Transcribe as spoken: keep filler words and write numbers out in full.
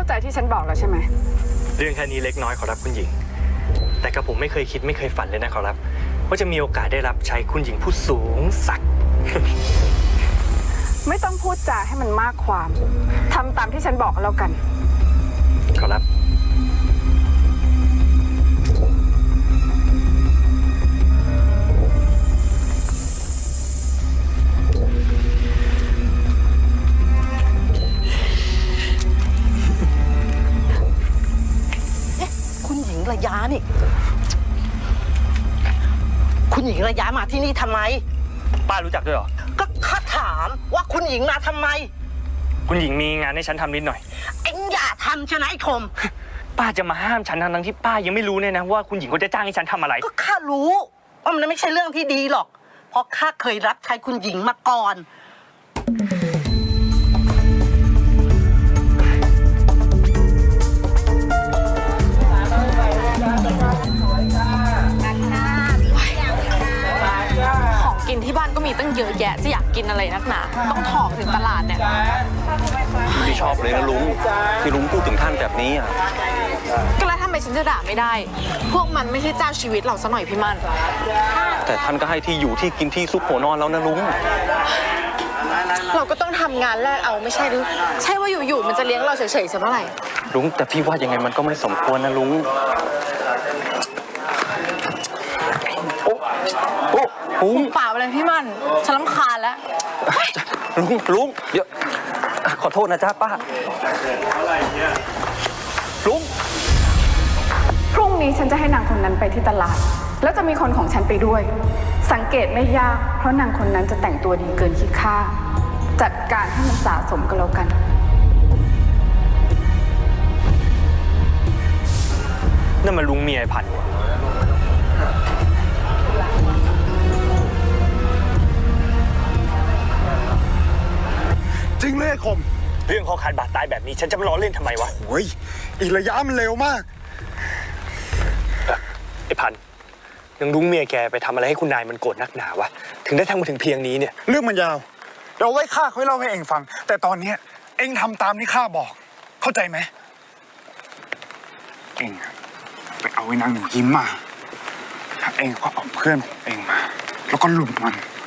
าใจที่ฉันบอกแล้วใช่ไหมเรื่องแค่นี้เล็กน้อยขอรับคุณหญิงแต่กระผมไม่เคยคิดไม่เคยฝันเลยนะขอรับว่าจะมีโอกาสได้รับใช้คุณหญิงผู้สูงศักดิ์ไม่ต้องพูดจาให้มันมากความทำตามที่ฉันบอกแล้วกันขอรับคุณหญิงระยะนี่คุณหญิงระยะมาที่นี่ทำไมป้ารู้จักด้วยเหรอก็ข้าถามว่าคุณหญิงมาทำไมคุณหญิงมีงานให้ฉันทำนิดหน่อยเอ็งอย่าทำชนะไอ้คมป้าจะมาห้ามฉันทั้งที่ป้ายังไม่รู้เนี่ยนะว่าคุณหญิงเขาจะจ้างให้ฉันทำอะไรก็ข้ารู้ว่ามันไม่ใช่เรื่องที่ดีหรอกเพราะข้าเคยรับใช้คุณหญิงมาก่อนของกินที่บ้านก็มีตั้งเยอะแยะจะอยากกินอะไรนักหนาต้องถอกถึงตลาดเนี่ยไม่ชอบเลยนะลุงที่ลุงพูดถึงท่านแบบนี้อ่ะก็แล้วทำไมฉันจะด่าไม่ได้พวกมันไม่ใช่เจ้าชีวิตเราซะหน่อยพี่มันแต่ท่านก็ให้ที่อยู่ที่กินที่ซุกหัวนอนแล้วนะลุงเราก็ต้องทำงานแลกเอาไม่ใช่หรือใช่ว่าอยู่ๆมันจะเลี้ยงเราเฉยๆซะเมื่อไหร่ลุงแต่พี่ว่ายังไงมันก็ไม่สมควรนะลุงโอ้โอ้ลุงเปล่าเลยพี่มันฉันรำคาญแล้วลุงลุงเดี๋ยวขอโทษนะจ๊ะป้าลุงพรุ่งนี้ฉันจะให้นางคนนั้นไปที่ตลาดแล้วจะมีคนของฉันไปด้วยสังเกตไม่ยากเพราะนางคนนั้นจะแต่งตัวดีเกินคิดค่าจัดการให้มันสะสมกันแล้วกันนั่นมันลุงเมียไอ้พันธุ์จริงเลยคมเรื่องเขาขาดบาดตายแบบนี้ฉันจะมาล้อเล่นทำไมวะโอ้ยอีระยะมันเร็วมากไอ้พันยังลุงเมียแกไปทำอะไรให้คุณนายมันโกรธนักหนาวะถึงได้ทำมาถึงเพียงนี้เนี่ยเรื่องมันยาวเราไว้ข้าค่อยเล่าให้เองฟังแต่ตอนนี้เองทำตามที่ข้าบอกเข้าใจไหมเองไปเอาไอ้นางหนูยิ้มมาถ้าเองก็เอาเพื่อนของเองมาแล้วก็ลุมมัน